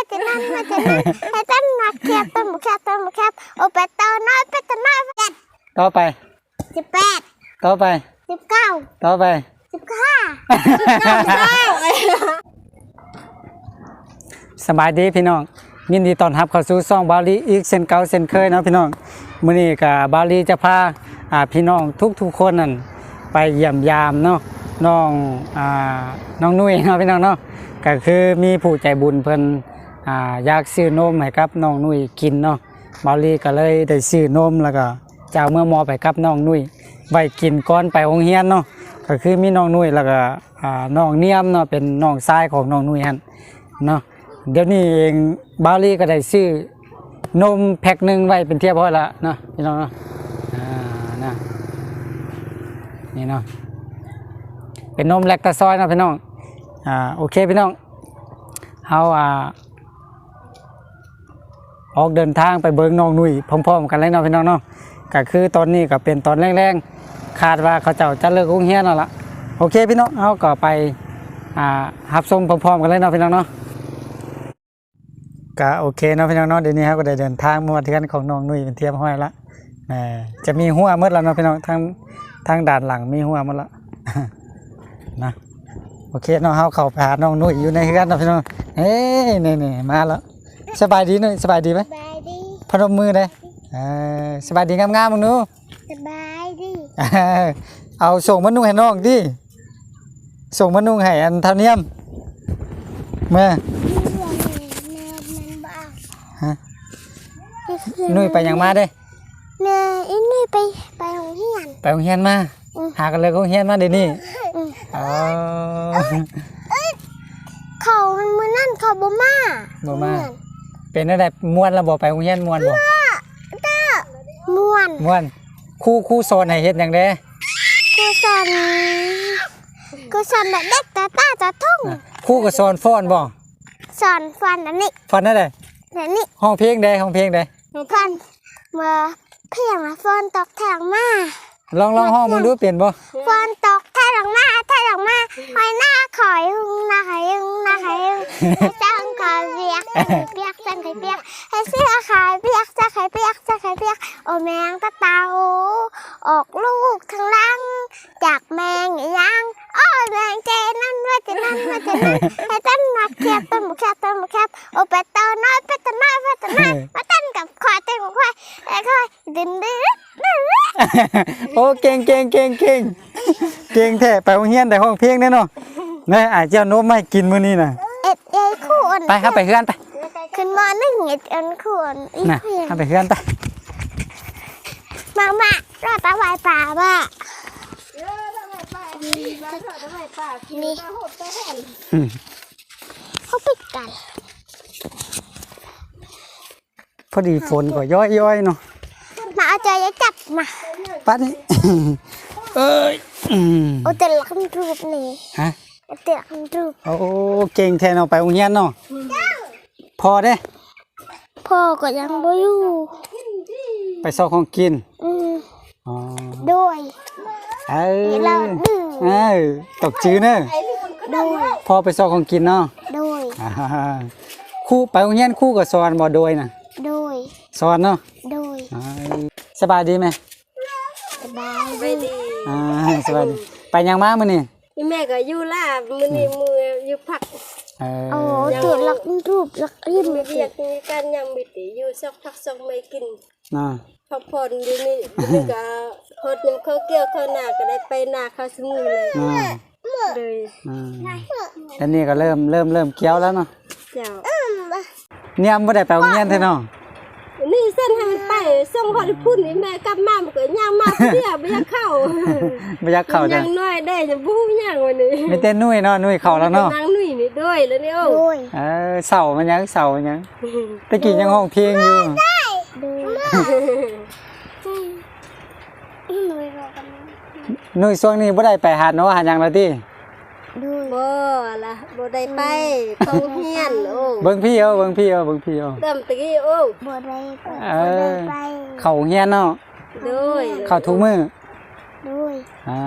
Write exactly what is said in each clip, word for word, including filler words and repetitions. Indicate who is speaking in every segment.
Speaker 1: จะนั่นมาจะนั่นให้ต้นมาแคบต้นบุแคบต้นบุแคบโอเปตโตน้อยเปตน้อยเจ็ด
Speaker 2: ต่อไป
Speaker 1: สิบแปด
Speaker 2: ต่อไป
Speaker 1: สิบเก้า
Speaker 2: ต่อไป
Speaker 1: สิบห้า
Speaker 2: สบายดีพี่น้องยินดีต้อนรับเข้าสู่ช่องบาลีอีกเช่นเก่าเช่นเคยเนาะพี่น้องมื้อนี้ก็บาลีจะพาอ่าพี่น้องทุกๆคนนั่นไปเยี่ยมยามเนาะน้องอ่าน้องนุ้ยเนาะพี่น้องเนาะก็คือมีผู้ใจบุญเพิ่นอ่าอยากซื้อนมให้กับน้องนุ้ยกินเนาะบาลีก็เลยได้ซื้อนมแล้วก็จะเอาเมื่อมอไปกับน้องนุ้ยไว้กินก่อนไปโรงเรียนเนาะก็คือมีน้องนุ้ยแล้วก็อ่าน้องเนียมเนาะเป็นน้องชายของน้องนุ้ยหั่นเนาะเดี๋ยวนี้เองบาลีก็ได้ซื้อนมแพ็คหนึ่งไว้เป็นเทียบพอละเนาะพี่น้องเนาะอ่านะนี่เนาะเป็นนมแลคตาซอยเนาะพี่น้องอ่าโอเคพี่น้องเอาอ่าออกเดินทางไปเบิ่งน้องนุ้ยพร้อมๆกันเลยเนาะพี่น้องเนาะก็คือตอนนี้ก็เป็นตอนแรงๆคาดว่าเขาเจ้าจะเลิกโรงเรียนแล้วล่ะโอเคพี่น้องเอาก็ไปอ่ารับชมพร้อมๆกันเลยเนาะพี่น้องเนาะก็โอเคเนาะพี่น้องเนาะเดี๋ยวนี้ครับก็ได้เดินทางมาที่กันของน้องนุ้ยเป็นเทียบห้อยละนะจะมีหัวมืดแล้วเนาะพี่น้องทางทางด่านหลังมีหัวหมดละ นะโอเคเนาะเฮาเข้าไปหาน้องนุ้ยอยู่ในเฮือนเนาะพี่น้องเฮ้ยนี่ๆมาแล้วสบายดีนุ้ยสบายดีไหม
Speaker 1: สบายดี
Speaker 2: พนมมือเลยเออสบายดีงามๆมึงหนู
Speaker 1: สบายดี
Speaker 2: เอาส่งมะนุ่งให้น้องดิส่งมะนุ่งให้อันเท่าเนียมเมื่อฮะนุ้ยไปยังมาเด้
Speaker 1: เนยอินนี่ไปไปโรงเรียน
Speaker 2: ไปโรงเรียนมาหากันเลยโรงเรียนมาเดี๋ยวนี้อ๋อ
Speaker 1: เขามันมือนั่นเขาบ่มา
Speaker 2: บ่มาเป็นอะไรม่วนแล้วบ่ไปโรงเรียนม่วนบ่
Speaker 1: ม่วน
Speaker 2: ม่วนครูครูสอนให้เฮ็ดหยังเด้
Speaker 1: ครูสอนครูสอนเด็กตาตาตาทุ่ง
Speaker 2: ครูก็สอนฟ้อนบ่
Speaker 1: สอนฟันอันนี้
Speaker 2: ฟ้อนนั่นแหละ
Speaker 1: อันนี้
Speaker 2: ห้องเพลงใดห้องเพลงใด
Speaker 1: ฟันเมื่อเพียงฝนตกแทงมา
Speaker 2: ลองลองห้องมึงดูเปลี่ยนบ่
Speaker 1: ฝนตกแทงมาแทงมาหอยหน้าขอยหึงหน้าขอยหึงหน้าขอยหึงให้จ้างขอยเปียกเปียกจังขอยเปียกให้เสื้อขายเปียกจะขายเปียกจะขายเปียกโอแมงตะเตาออกลูกทั้งลังจากแมงยังโอ้แมงเจนั่นว่าจะนั่นว่าจะนั่นให้ต้นมาแคบต้นบุแคบต้นบุแคบโอเปตโตน้อยเปตน้อยเปตน้อยมาต้นกับควายต้นกับควายไอ้ควายดึงดึง
Speaker 2: โอ้เก่งเก่งเก่งเก่งเก่งแท้ไปโรงเรียนแต่ห้องเพลงแน่เนาะนี่อาจจะโน้มไม่กินมื้อนี้น่ะ
Speaker 1: เอ็ดเอ้คู่อัน
Speaker 2: ไปครับไปเฮือนไป
Speaker 1: ขึ้นมาหนึ่งเอ็ดอันคู่อันอีกเพียง
Speaker 2: ไปเฮือนไป
Speaker 1: มามาเราตาไวป่าบ้านี่เขาปิดกัน
Speaker 2: พอดีฝนก็ย้อยๆเนาะ
Speaker 1: มาเอาใจจับมา
Speaker 2: ปัดนี่เอ้ย
Speaker 1: โอ้แต่ละคำรูปนี่
Speaker 2: ฮะ
Speaker 1: แต่ละคำรูป
Speaker 2: โอ้เก่งแท้เนาะไปโรงเรียนเนาะพอเด้
Speaker 1: พ่อก็ยังบ่อยู่
Speaker 2: ไปซอกของกิน
Speaker 1: อืม
Speaker 2: อ๋อ
Speaker 1: ด้วย
Speaker 2: เออเออตกจื้อเนอะ
Speaker 1: ด้วย
Speaker 2: พอไปซอกของกินเนาะ
Speaker 1: ด้วย
Speaker 2: ครูไปโรงเรียนครูก็สอนบ่โดยน่ะ
Speaker 1: ด้วย
Speaker 2: สอนเนาะ
Speaker 1: ด้วย
Speaker 2: สบายดีไหม
Speaker 1: สบายดี
Speaker 2: อ่าสบายดีไปยังมามื้อนี้
Speaker 3: แม่ก็อยู่ลาบมื้อนี้มืออยู่พัก
Speaker 2: เออ
Speaker 1: โอ้ตัวลักรูปลักยิ้ม
Speaker 3: เรียกมีการยังมีติอยู่สักพักสักไม่กิน
Speaker 2: น่ะ
Speaker 3: พักผ่อนอยู่นี่นี่ก็เฮ็ดนึงเขาเกี่ยวเขาหน้าก็ได้ไปหน้าเขาสมุเลยเลย
Speaker 2: อ่าอันนี้ก็เริ่มเริ่มเริ่มเคี้ยวแล้วเนาะ
Speaker 3: เจ้า
Speaker 2: เนี่ยบ่ได้ไปโรงเรียนแท้เนาะ
Speaker 3: นี่เส้นให้มันไปส่งฮอดพุ่นนี่แม่กลับมามันก็ย่างมาเดี๋ยวบ่อยากเข้า
Speaker 2: บ่อยากเข้าจ้ะ
Speaker 3: ยังน้อยได้จะบ่ย่างวันนี้
Speaker 2: มีแต่นุ่ยเนาะนุ่ยเข้าแล้วเนาะ
Speaker 3: นางนุ่ยนี่ด้วยแล้วนี่โอ้
Speaker 2: เออเสามันยังเสามันยังตะกี้ยังห้องเพลงอยู่นุ่ยช่วงนี้บ่ได้ไปหาเนาะหาหยังแล้วติ
Speaker 3: บ่ล่ะบ่ได้ไปเข้าเรียนโอ้
Speaker 2: เบิ่งพี่เอาเบิ่งพี่เอาเบิ่งพี่เอา
Speaker 3: เติมตะกี้โอ้
Speaker 1: บ่ได้ไป
Speaker 2: บ่ได้ไปเข้าเรียนเนาะ
Speaker 3: ด้วย
Speaker 2: เข้าทุกมื้อ
Speaker 1: ด้วย
Speaker 2: อ่า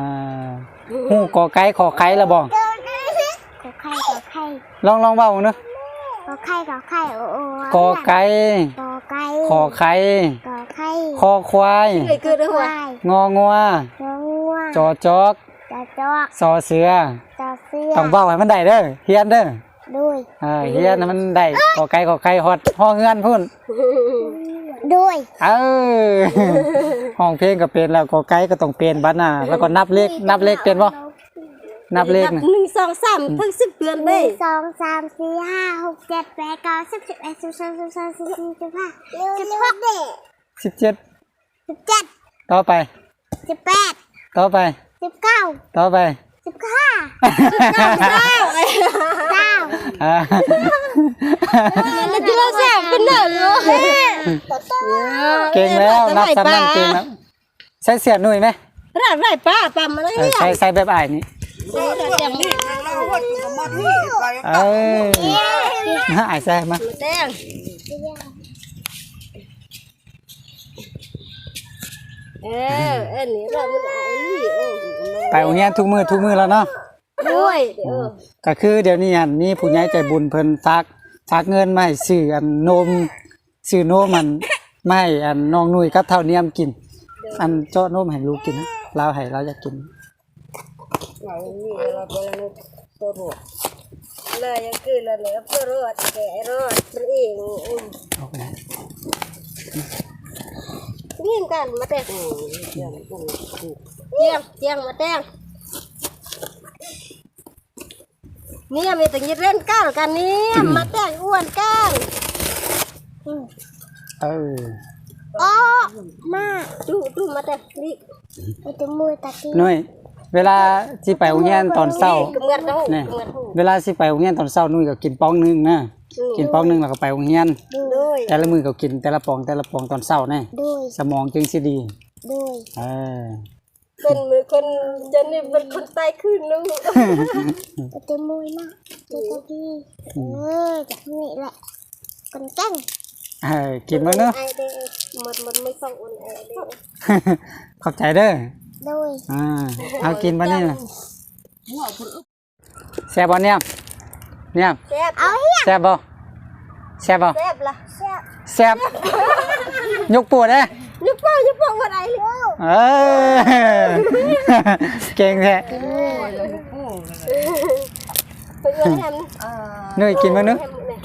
Speaker 2: ฮู้กอไก่ขอไข่แล้วบ่
Speaker 1: ขอไข่ขอไข่
Speaker 2: ลองลองเว้าเนาะ
Speaker 1: กอไข่กอไข่โอโอก
Speaker 2: อไก่
Speaker 1: กอไก่
Speaker 2: ขอไข่
Speaker 1: กอไข่
Speaker 2: คอควาย
Speaker 3: เอ้ยคือได้
Speaker 1: ค
Speaker 3: หัว
Speaker 1: วาย
Speaker 2: งองัว
Speaker 1: งองัว
Speaker 2: จอจอก
Speaker 1: จอจอก
Speaker 2: ซอเสือ
Speaker 1: จอเสื้อ
Speaker 2: ต้องเว้าให้มันได้เด้อเฮียนเด้อ
Speaker 1: ด้วย
Speaker 2: เออเฮียนให้มันได้ขอไก่ขอไข่ฮอดห้องเฮือนพุ่น
Speaker 1: ด้วย
Speaker 2: เออห้องเพลงก็เป็นแล้วขอไก่ก็ต้องเป็นบัดน่ะแล้วก็นับเลขนับเลขเป็นบ่นับเลข
Speaker 3: นับ
Speaker 2: น่ะ
Speaker 3: หนึ่งสองสามทั้งสิบเดือน
Speaker 1: ห
Speaker 3: เด้
Speaker 1: นึ่งสองสามสี่ห้าหกเจ็ดแปดเก้าสิบสิบเอ็ดสิบสองสิบสามสิบสี่สิบห้าสิบหก
Speaker 2: สิบเจ็ด
Speaker 1: สิบเจ็ด
Speaker 2: ต่อไป
Speaker 1: สิบแปด
Speaker 2: ต่อไป
Speaker 1: สิบเก้า
Speaker 2: ต่อไป
Speaker 1: สิบห้า
Speaker 3: เก้าเก้า
Speaker 1: เก้า
Speaker 2: อ่า
Speaker 3: แล้วที่เราแซ่บเป็นหนึ่งเนาะ
Speaker 2: เก่งแล้วนับซ้ำนั่นเก่งแล้วใส่เสียหนุ่ยไหม
Speaker 3: ร้านไรป้าปั๊มอะไร
Speaker 2: เออ
Speaker 3: เนี่ย
Speaker 2: ใส่ใส่แบบอ้ายนี่
Speaker 3: แจ่มนี่
Speaker 2: เอ้ยน่าอ้ายใส่มา
Speaker 3: แดงเอออันนี้เรามันไอ้นี่โอ้
Speaker 2: ไปโรงเรียนทุกมื้อทุกมื้อแล้วเนาะ
Speaker 3: ด้วยเออ
Speaker 2: ก็คือเดี๋ยวนี้อันมีผู้ใหญ่ใจบุญเพิ่นฝากฝากเงินมาให้ซื้ออันนมซื้อนมมันมาให้อันน้องนุ่ยกับเท่าเนียมกิน อันเจาะนมให้ลูกกินนะเราให้เราอยากกิน
Speaker 3: เรานี่เราเป็นตัวรวดเลยยังคือเราเลยตัวรวดแก่รอดมันเอง
Speaker 2: เอาไปนะ
Speaker 3: นี่กันมาแต่งเจียงเจียงมาแต่งนี่มีแต่ยิดเล่นก้าวกันนี่มาแต่งอ้วนก้าว
Speaker 2: เออ
Speaker 1: โอ้มา
Speaker 3: ดูดูมาแต่งนี่
Speaker 1: ไปจมูกตะกี้
Speaker 2: นุ่ยเวลาสิไปโรงเรียนตอนเช้า
Speaker 3: กำเงินเขา
Speaker 2: นี่
Speaker 3: กำเงินเขา
Speaker 2: เวลาสิไปโรงเรียนตอนเช้านุ่ยก็กินป้องหนึงนะกินป้องหนึงแล้วก็ไปโรงเรียน
Speaker 3: ด้วย
Speaker 2: แต่ละมื้อก็กินแต่ละปองแต่ละปองตอนเช้าแน่
Speaker 1: ด้วย
Speaker 2: สมองจึงสิดี
Speaker 1: ด้วย
Speaker 2: เออ
Speaker 3: เป็นมือคนจะนี่เป็นคนตายขึ้นลูก
Speaker 1: ไปจมูกนะเจตะกี้เออจากนี่แหละคนเก่ง
Speaker 2: เออกินมื้อเนาะ
Speaker 3: ไอเด้หมดหมดไม่ส่งอุ่นไอเด้
Speaker 2: ขอบใจเด้อ
Speaker 1: ด้วย
Speaker 2: อ่าเอากินบัดนี้น่ะแซ่บบ่เนี่ยเนี่ย
Speaker 3: แซ่บ
Speaker 1: เอาเฮีย
Speaker 2: แซ่บบ่แซ่บบ่
Speaker 3: แซ่บละ
Speaker 1: เชี่ย
Speaker 2: แซ่บยกปวดเด้
Speaker 3: ยุบป้ายุบป้าวันไอเลย
Speaker 2: เออเก่งแท้
Speaker 3: เป็นวันแฮม
Speaker 2: นุ่ยกินมื้อนึง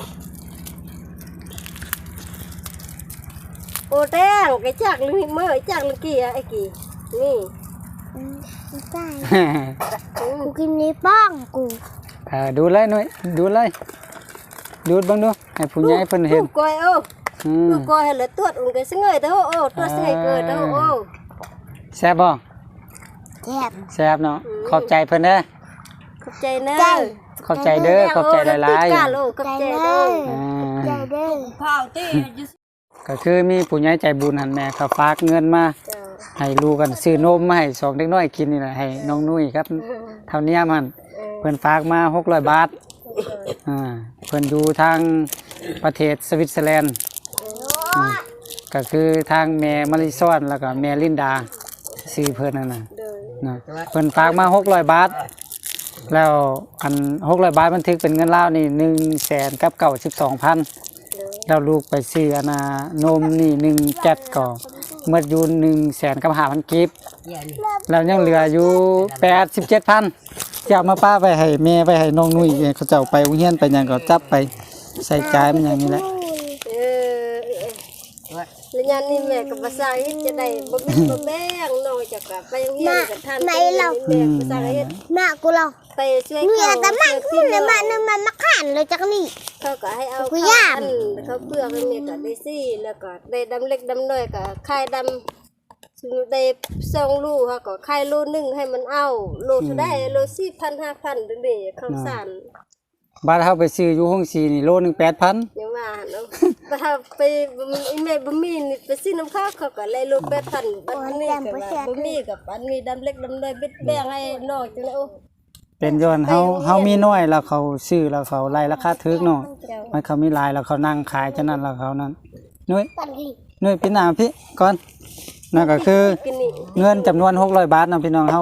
Speaker 3: โอ้แดงไอ้จากลึงเมื่อจากลึงกี่อะไอ้กี่นี่
Speaker 1: อืมไม่ได้กูกินนี้ป้องกู
Speaker 2: เออดูเลยนุ่ยดูเลยดูดเบิ่งดูให้ผู้ใหญ่เพิ่นเห็น
Speaker 3: กอยโอ้
Speaker 2: อืม
Speaker 3: กอยเหลือตัวอุ่นกันสงเงยเด้อโอ้ตัวสงเงยเกิดเด้อโอ้
Speaker 2: แซ่บบ่
Speaker 1: แซ่บ
Speaker 2: แซ่บเนาะขอบใจเพิ่นเด้อ
Speaker 3: ขอบใจนะ
Speaker 2: ขอบใจเด้อขอบใจหลาย
Speaker 3: ๆกาโลขอบใจเด้อ
Speaker 2: ๆอ่
Speaker 1: ใจ
Speaker 2: า
Speaker 1: เด้อ
Speaker 2: ก็คือมีผู้ใหญ่ใจบุญหันแม่เขาฝากเงินมา
Speaker 3: จ้า
Speaker 2: ให้ลูกกันซื้อนมมาให้สองเด็กน้อยกินนี่แหละให้น้องนุ้ยครับเท่านี้มันเพิ่นฝากมาหกร้อยบาทอ่าเพิ่นอยู่ทางประเทศสวิตเซอร์แลนด์อืมก็คือทางแม่มาริซอนแล้วก็แม่ลินดาซื้อเพิ่นนั่นน่ะ
Speaker 3: เด้อ
Speaker 2: นะเพิ่นฝากมาหกร้อยบาท แล้วอันหกร้อยบาทบันทึกเป็นเงินลาวนี่หนึ่งแสนกับเก้าสิบสองพันแล้วลูกไปซื้ออนนานมนี่หนึ่งแก๊สก็เมื่ออยู่หนึ่งแสนกับห้าพันกิฟแล้วยังเหลืออยู่แปดสิบเจ็ดพันจะเอามาป้าไปให้แม่ไปให้น้องนุ่ยเขาเจ้าไปโรงเรียนไปหยังก็จับไปใส่จ่ายมันอย่างนี้แหละ
Speaker 3: เออแล้วยันนี่แม่กับภาษาเฮ็ดจะได้บ่มีบ่แบ่งน้อยจักกะไปโรงเรียนกับท่านแม่ภาษาเฮ็ด
Speaker 1: แม่กูเรา
Speaker 3: ไปช่วย
Speaker 1: เมีย
Speaker 3: เขา
Speaker 1: แต่มันขึ้นเลยมานึงมันมาขันเลยจากนี่
Speaker 3: เขาก็ให้เอา
Speaker 1: กู
Speaker 3: เขา
Speaker 1: ย่าน
Speaker 3: อันเขาเปลือกให้แม่ก็ได้ซี่แล้วก็ได้ดำเล็กดำน้อยก็คายดำซึ่งได้สองลูกเขาก็คายลูกหนึงให้มันเอาโลเท่าได้โลสี่พันห้าพันเด้อๆข้าวสาร
Speaker 2: บาทเฮาไปซื้ออยู่ห้องสีนี่โลนึงแปดพัน
Speaker 3: ยังว่าเนาะแต่ถ้าไปบ่มีอีแม่บ่มีนี่ไปซื้อน้ำข้าวเขาก็เลยโลแปดพันบัดนี้ก็ว่าบ่มีกับอันนี้ดำเล็กดำน้อยเบ็ดแบ่งให้น้อยจังได๋โอ้
Speaker 2: เป็นย้อนเฮาเฮามีน้อยแล้วเขาซื้อแล้วเขาไล่ราคาถูกเนาะ
Speaker 3: เจ้า
Speaker 2: มันเขามีหลายแล้วเขานั่งขายฉะนั้นแล้วเขานั้นนุ้ย
Speaker 1: ปันนี่
Speaker 2: นุ้ยพี่หน้าพี่ก่อนนั่นก็คือ
Speaker 3: กินนี่
Speaker 2: เงินจำนวนหกร้อยบาทเนาะพี่น้องเฮาไป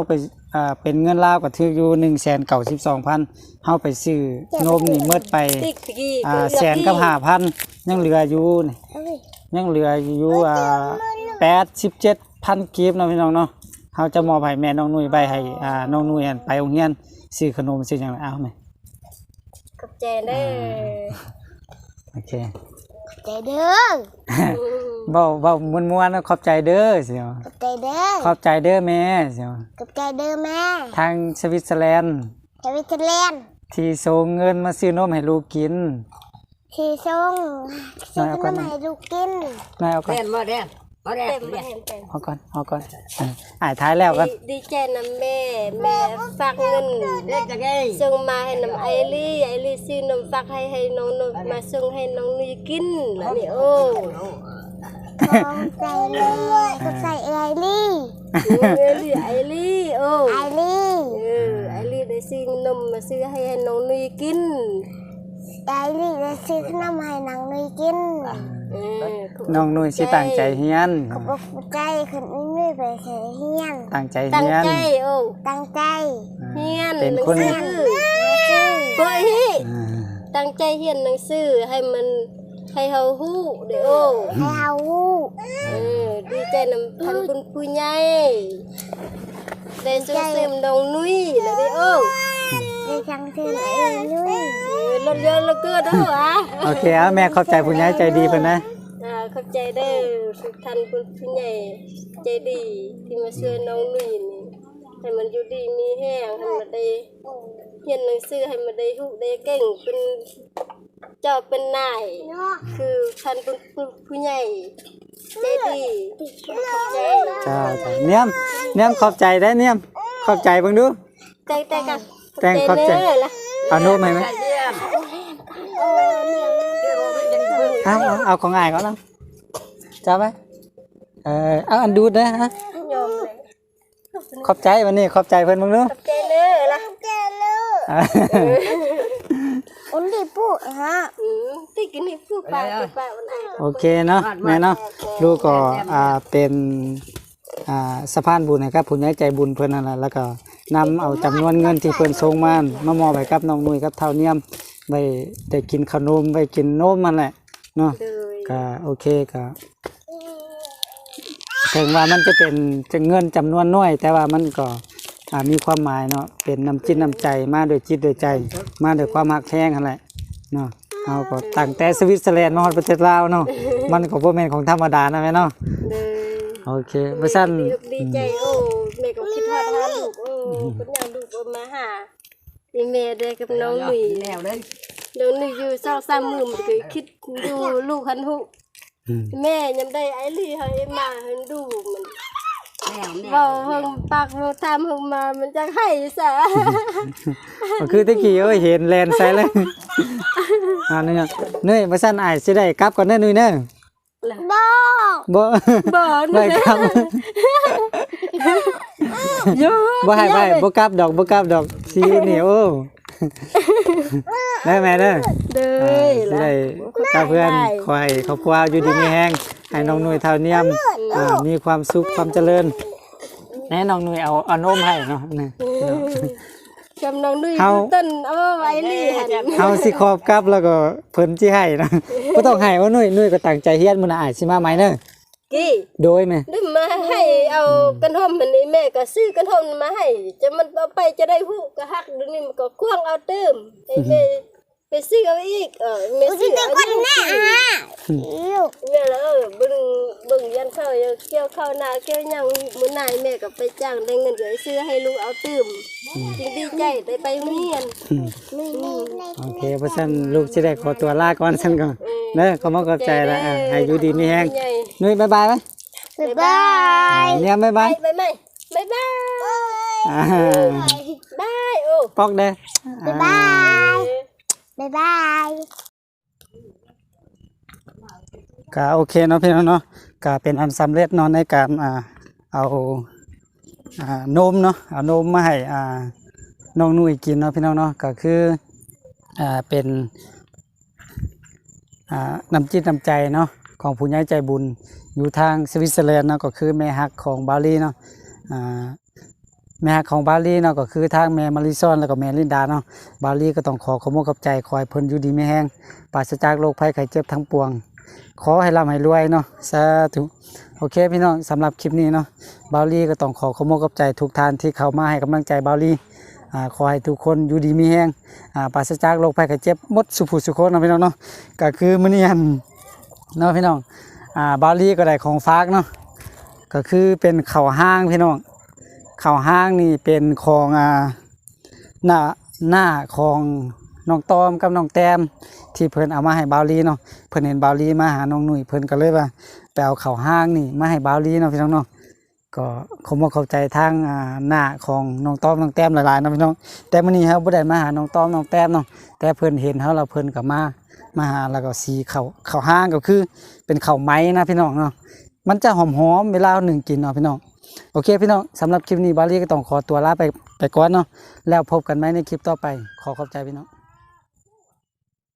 Speaker 2: อ่าเป็นเงินลาวก็ถืออยู่ หนึ่งแสนเก้าสิบสองพัน เฮาไปซื้อนมนี่หมดไป
Speaker 3: ติ๊กกี้
Speaker 2: อ่าแสนกับ ห้าพัน ยังเหลืออยู่นี่ยังเหลืออยู่อ่าแปดสิบเจ็ดพัน กีบเนาะพี่น้องเนาะเฮาจะมอบให้แม่น้องนุ้ยไปให้อ่าน้องนุ้ยอั่นไปโรงเรียนซื้อขนมซื้อหยังเอาแม่
Speaker 3: ขอบใจเด้อ
Speaker 2: โอเค
Speaker 1: ใจเด้อ
Speaker 2: เว้าเว้าม่วนๆนะขอบใจเด้อเสียว
Speaker 1: กับใจเด้อ
Speaker 2: ขอบใจเด้อแม่เสียว
Speaker 1: กับใจเด้อแม่
Speaker 2: ทางสวิตเซอร์แลนด์
Speaker 1: สวิตเซอร์แลนด์
Speaker 2: ที่ส่งเงินมาซื้อนมให้ลูกกิน
Speaker 1: ที่ส่งซื้อขนมให้ลูกกิน
Speaker 2: นายเอาก่อน
Speaker 4: แดนบ่แดนบ่แดน
Speaker 3: เต็ม
Speaker 4: แด
Speaker 3: มาน เห็นเต็ม
Speaker 2: เอาก่อนเอาก่อนเอออ่ายท้ายแล้วกัน
Speaker 3: ดีดีใจนำแม่แม่ฝากเงิน
Speaker 4: เด็กจังไง
Speaker 3: ส่งมาให้น้ำไอรี่ไอรี่ซื้อนมฝากให้ให้น้องนมาส่งให้น้องนุยกินแล้วนี่โอ้
Speaker 1: ของใจเลยกับใจไอรี่
Speaker 3: ไอรี่ไอรี่โอ้
Speaker 1: ไอรี่
Speaker 3: เออไอรี่ได้ซื้อนมมาซื้อให้ให้น้องนุยกิน
Speaker 1: ไอรี่จะซื้อขนมให้นางนุยกิน
Speaker 3: เออ
Speaker 2: น้องนุ้ยสิตั้งใจเฮียน
Speaker 1: ขอบคุณใจคนไม่ไปเสียเฮียน
Speaker 2: ตั้งใจ
Speaker 3: ตั้ง
Speaker 2: เฮียน
Speaker 3: ใจโอ้
Speaker 1: ตั้งใจ
Speaker 3: เฮียน
Speaker 2: เป็นคน
Speaker 3: หงสือ
Speaker 1: ชื่อ
Speaker 3: เฮ้ย
Speaker 2: อ่า
Speaker 3: ตั้งใจเฮียนหนังสือให้มันให้เฮาฮู้เด้อโอ้
Speaker 1: ให้เฮาวู้
Speaker 3: เออดีใจนำพันคุณผู้ใหญ่ได้ส่งเสริมน้องนุ้ยแล้วเด้อโอ้
Speaker 1: ได้จังซื้อไอนุ้ย
Speaker 3: เออรถเยอะเหลือเกินเด้ออ่ะ
Speaker 2: โอเคเอาแม่ขอบใจผู้ใหญ่ใจดีเพิ่นนะ
Speaker 3: อ่าขอบใจเด้อทุกท่านคุณผู้ใหญ่ใจดีที่มาช่วยน้องนุ้ยนี่ให้มันอยู่ดีมีแห้งให้มันได้เรียนหนังสือให้มันได้ฮู้ได้เก่งเป็นเจ้าเป็นนาย
Speaker 1: เนาะ
Speaker 3: คือท่านเป็นผู้ใหญ่ใจดีขอบใจ
Speaker 2: จ้าจ้าเนียมเนียมขอบใจได้เนียมขอบใจเบิ่งดู
Speaker 3: แต่แต่กัน
Speaker 2: แต่งขอบใจ
Speaker 3: เด้อล่ะ
Speaker 2: เอานมให้ไหม
Speaker 4: เยี่ยม
Speaker 2: เอาเอาเอาของอ้ายก่อนเนาะจ้าไหมเออเอาอันดูดนะฮะ
Speaker 3: ยอมเลย
Speaker 2: ขอบใจวันนี้ขอบใจเพิ่นเบิ่งดู
Speaker 3: ขอบใจเด้อล่ะ
Speaker 1: เจอลูก
Speaker 2: อ่า
Speaker 1: อุ้นดีปุ๊ฮะ
Speaker 3: อืมที่กินให้ผู้ป้าผู้ป้าวันไหน
Speaker 2: โอเคเนาะแม่เนาะลูกก็อ่าเป็นอ่าสะพานบุญให้กับผู้ใหญ่ใจบุญเพิ่นนั่นแหละแล้วก็นำเอาจำนวนเงินที่เพิ่นส่งมามามอบให้กับน้องนุ้ยกับเท่าเนียมไว้ได้กินขนมไว้กินนมมันแหละเนาะ
Speaker 3: เลย
Speaker 2: ก็โอเคก็ถึงว่ามันจะเป็นจะเงินจำนวนน้อย แต่ว่ามันก็อ่ามีความหมายเนาะเป็นน้ำจิตน้ำใจมาโดวยจิตโดยใจ มาโดวยความหักแท้งนั่นแหละเนาะเอาก็ตั้งแต่สวิตเซอร์แลนด์มาฮอดประเทศลาวเนาะมันก็บ่แม่นของธรรมดานะแม่เนาะ
Speaker 3: เลย
Speaker 2: โอเคบ่ซั่น
Speaker 3: ดีอกดีใจโอ้แม่ก็คิดฮอดหาลูกโอ้คนอยากลูกเอามาหานี่แม่ได้กับน้องหนุ่ย
Speaker 4: แนวเลย
Speaker 3: น้องหนุ่ยอยู่เศร้าซ้ำมือมันก็คิดดูลูกหันหุ
Speaker 2: อืม
Speaker 3: แม่ยังได้ไอ้ลี่ให้มาให้ดูมัน
Speaker 4: แนวแน
Speaker 3: เบาว เฮงปากเฮงทำเฮงมามันจะให้ซะ
Speaker 2: ก็คือตะกี้เอ้ยเห็นแลนด์ใส่เลยอ่านี่เนาะเนื่อยบ่ซั่นอ้ายสิได้กลับก่อนเด้อนุ้ยเด้อ
Speaker 1: บ่
Speaker 2: บ่
Speaker 3: บ่
Speaker 2: ได้
Speaker 3: นะ
Speaker 2: ครับ
Speaker 3: เยอะ
Speaker 2: บ่ให้ไปบ่กลับดอกบ่กลับดอกสิอยู่นี่โอ้ได้แม่เด้อ
Speaker 3: เด้
Speaker 2: อ่า
Speaker 3: อ
Speaker 2: สิได้กับเพื่อนคอยครอบครัวอยู่ดีมีแฮงให้น้องหนุ่ยเท่าเนียมอ่ามีความสุขความเจริญแน่น้องหนุ่ยเอาเอานมให้เนาะนี่
Speaker 3: จำน้องนุ่ย
Speaker 2: เฮา
Speaker 3: ต้นเอาไว้ลี่หัน
Speaker 2: เฮาสิขอบกลับแล้วก็เพิ่นสิให้นะบ่ต้องให้ว่าหนุ่ยหนุ่ยก็ตั้งใจเฮียนมื้อหน้าอ้ายสิมาใหม่เด้อ
Speaker 3: กี่
Speaker 2: โดยแม่
Speaker 3: ได้มาให้เอากันห่มมันนี่แม่ก็ซื้อกันห่มมาให้จะมันเอาไปจะได้ฮู้ก็ฮักเดี๋ยวนี้มันก็ควงเอาเติมให้แม่ไปซื้อเอาอีกเออแม่
Speaker 1: อุ้น
Speaker 3: ซื้
Speaker 1: ดี
Speaker 3: อ
Speaker 1: แต่
Speaker 3: เอา
Speaker 1: คนแม่ฮะลูก
Speaker 3: แม่แล้วเออบึงบึงยันเข้าเกี่ยวเข้านาเกี่ยวหยังมื้อหน้าแม่ก็ไปจ้างได้เงินก็ไปซื้อให้ลูกเอาเติมจริงดีใจได้ไปโรงเรียน
Speaker 1: ไม่ไม่ไม่
Speaker 2: โอเคเพราะฉะนั้นลูกสิได้ขอตัวลาก่อนซั่นก่อนเด้อขอมขอบใจละอ่ะให้อยู่ดีมีแฮงหนุ่ยบ๊ายบายไหม
Speaker 1: บ๊ายบาย
Speaker 2: เนียมบ๊าย
Speaker 3: ไป
Speaker 2: บาย
Speaker 3: ไปไหมบ๊ายบาย
Speaker 2: อ่า
Speaker 3: บายโอ้
Speaker 2: ปอกเด้อ
Speaker 1: บ๊ายบายบ๊ายบาย
Speaker 2: ก็โอเคเนาะพี่น้องเนาะก็เป็นอันสำเร็จเนาะในการอ่าเอาอ่านมเนาะเอานมมาให้อ่าน้องนุ่ยกินเนาะพี่น้องเนาะก็คืออ่าเป็นอ่าน้ำจิตน้ำใจเนาะของผู้ใหญ่ใจบุญอยู่ทางสวิตเซอร์แลนด์เนาะก็คือแม่ฮักของบาลีเนาะอ่าแม่ของบาลีเนาะก็คือทางแม่มาริซอนแล้วก็แม่ลินดาเนาะบาลีก็ต้องขอขอบคุณกับใจขอให้เพิ่นอยู่ดีมีแรงปราศจากโรคภัยไข้เจ็บทั้งปวงขอให้ร่ำให้รวยเนาะสาธุโอเคพี่น้องสำหรับคลิปนี้เนาะบาลีก็ต้องขอขอบคุณกับใจทุกท่านที่เข้ามาให้กำลังใจบาลีอ่าขอให้ทุกคนอยู่ดีมีแรงอ่าปราศจากโรคภัยไข้เจ็บหมดสุขสุขคนเนาะพี่น้องเนาะก็คือมื้อนี้เนาะพี่น้องอ่าบาลีก็ได้ของฝากเนาะก็คือเป็นข้าวห้างพี่น้องข้าวห้างนี่เป็นของอ่าหน้าหน้าของน้องตอมกับน้องแต้มที่เพิ่นเอามาให้บาวลีเนาะเพิ่นเห็นบาวลีมาหาน้องหนุ่ยเพิ่นก็เลยว่าไปเอาข้าวห้างนี่มาให้บาวลีเนาะพี่น้องเนาะก็ขอบอกเข้าใจทางอ่าหน้าของน้องตอมน้องแต้มหลายๆเนาะพี่น้องแต่มื้อนี้เฮาบ่ได้มาหาน้องตอมน้องแต้มเนาะแต่เพิ่นเห็นเฮาแล้วเพิ่นก็มามาหาแล้วก็สีข้าวข้าวห้างก็คือเป็นข้าวไหม้นะพี่น้องเนาะมันจะหอมๆเวลาหนึ่งกินเนาะพี่น้องโอเคพี่น้องสำหรับคลิปนี้บาลีก็ต้องขอตัวลาไปไปก่อนเนาะแล้วพบกันใหม่ในคลิปต่อไปขอขอบใจพี่น้อง